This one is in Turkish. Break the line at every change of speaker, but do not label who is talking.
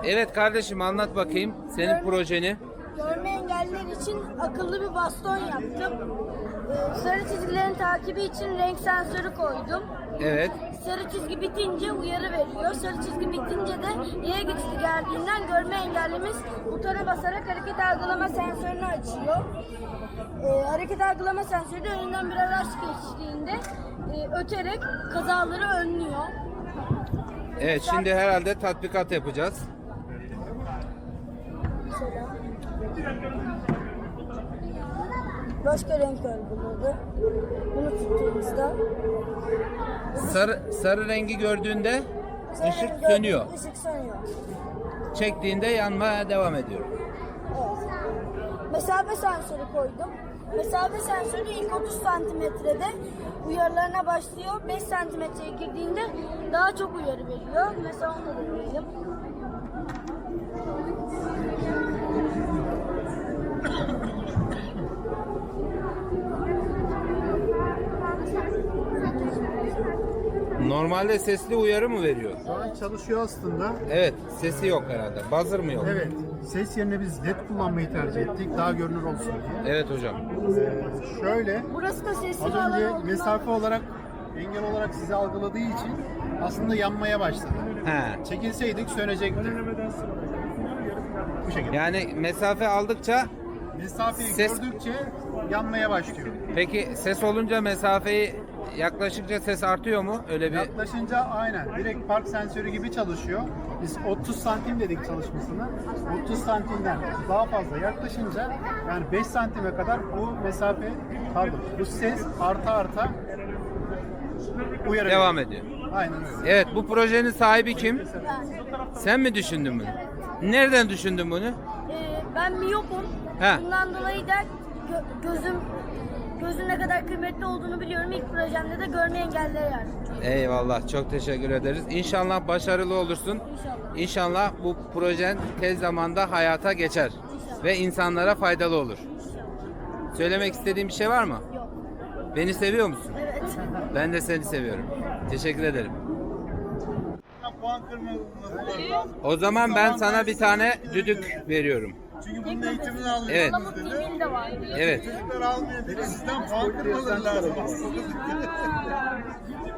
Evet kardeşim, anlat bakayım senin projeni.
Görme engelliler için akıllı bir baston yaptım. Sarı çizgilerin takibi için renk sensörü koydum.
Evet.
Sarı çizgi bitince uyarı veriyor. Sarı çizgi bitince de Y geçidi geldiğinden görme engellimiz butona basarak hareket algılama sensörünü açıyor. Hareket algılama sensörü de önünden bir araç geçtiğinde öterek kazaları önlüyor.
Evet, şimdi herhalde tatbikat yapacağız.
Mesela başka renk algıladı. Bunu tuttuğumuzda
Sarı rengi gördüğünde ışık
renk
sönüyor.
Işık sönüyor.
Çektiğinde yanmaya devam ediyor.
Evet. Mesafe sensörü koydum. Mesafe sensörü ilk 30 santimetrede uyarılarına başlıyor. 5 santimetreye girdiğinde daha çok uyarı veriyor. Mesela onu da deneyelim.
Normalde sesli uyarı mı veriyor?
Şu an çalışıyor aslında.
Evet, sesi yok herhalde. Buzzer mı yok?
Evet. Ses yerine biz led kullanmayı tercih ettik. Daha görünür olsun diye.
Evet hocam.
Şöyle,
Burası da sesli
az
bir alan
önce
olduğundan
mesafe olarak, engel olarak sizi algıladığı için aslında yanmaya başladı.
He.
Çekilseydik sönecekti. Bu şekilde.
Yani mesafe aldıkça,
Mesafeyi
ses-
gördükçe yanmaya başlıyor.
peki ses olunca mesafeyi yaklaştıkça ses artıyor mu? Öyle bir
Yaklaşınca aynen direkt park sensörü gibi çalışıyor. Biz 30 santim dedik çalışmasını. 30 santimden daha fazla yaklaşınca, yani 5 santime kadar bu mesafe, pardon, bu ses arta uyarı
devam
veriyor.
ediyor.
Aynen öyle.
Evet, bu projenin sahibi kim?
ben.
Sen mi düşündün bunu? Nereden düşündün bunu?
Ben miyopum.
He.
Bundan dolayı da gözün ne kadar kıymetli olduğunu biliyorum. İlk projemde de görme engellilere yardımcı oldum.
Eyvallah, çok teşekkür ederiz. İnşallah başarılı olursun.
İnşallah.
İnşallah bu projen tez zamanda hayata geçer ve insanlara faydalı olur. Söylemek istediğin bir şey var mı?
Yok.
Beni seviyor musun?
Evet.
Ben de seni seviyorum. Teşekkür ederim.
Puan kırmamız lazım.
O zaman ben sana bir tane düdük veriyorum.
Çünkü bunun eğitimini alıyoruz.
Evet.
Palamut dilin de var.
Evet.
Çocuklar almıyor dedi. Sizden puan kırmaları lazım.